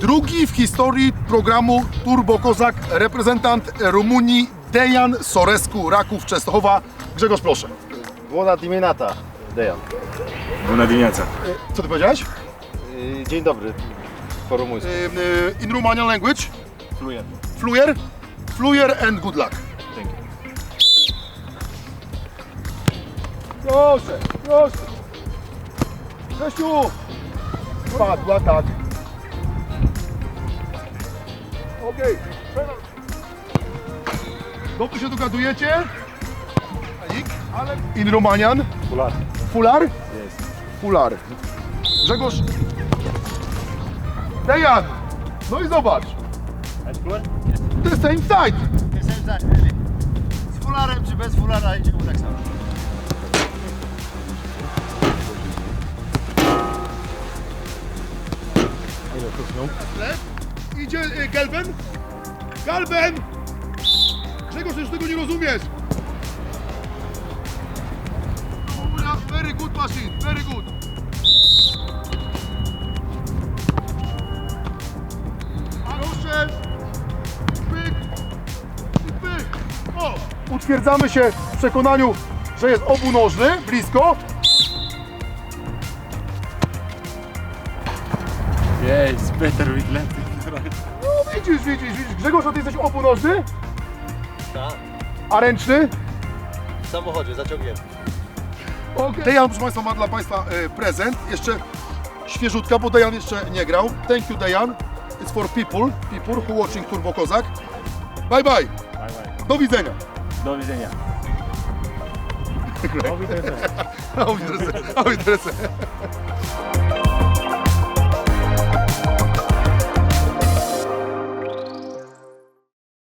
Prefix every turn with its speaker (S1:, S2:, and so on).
S1: Drugi w historii programu Turbo Kozak reprezentant Rumunii Dejan Sorescu, Raków Częstochowa. Grzegorz, proszę.
S2: Bună dimineața, Dejan.
S3: Bună dimineața.
S1: Co ty powiedziałeś?
S2: Dzień dobry, po rumuńsku.
S1: In Romanian language?
S3: Fluent.
S1: Fluyer? Fluyer and good luck.
S3: Thank you.
S1: Proszę, proszę. Grzesiu! Padła, tak. Okej. Dobrze się dogadujecie? Ale in Romanian?
S3: Fular.
S1: Fular?
S3: Yes.
S1: Fular. Grzegorz. Dejan! No i zobacz. The same side.
S2: Z fularem czy bez fulara idzie mu tak samo.
S1: Idzie Galben. Galben! Grzegorz, już tego nie rozumiesz. Very good machine, very good. Proszę. Pyk. I pyk. O! Utwierdzamy się w przekonaniu, że jest obunożny, blisko.
S3: Yeah, it's better with left.
S1: No widzisz. Grzegorz, a ty jesteś obunożny?
S2: Tak.
S1: A ręczny?
S2: W samochodzie zaciągnięty.
S1: Okay. Dejan, proszę Państwa, ma dla Państwa prezent. Jeszcze świeżutka, bo Dejan jeszcze nie grał. Thank you, Dejan. It's for people who watching Turbo Kozak. Bye bye.
S3: Bye bye.
S1: Do widzenia.
S3: Do widzenia.
S1: Auf Wiedersehen. Auf Wiedersehen.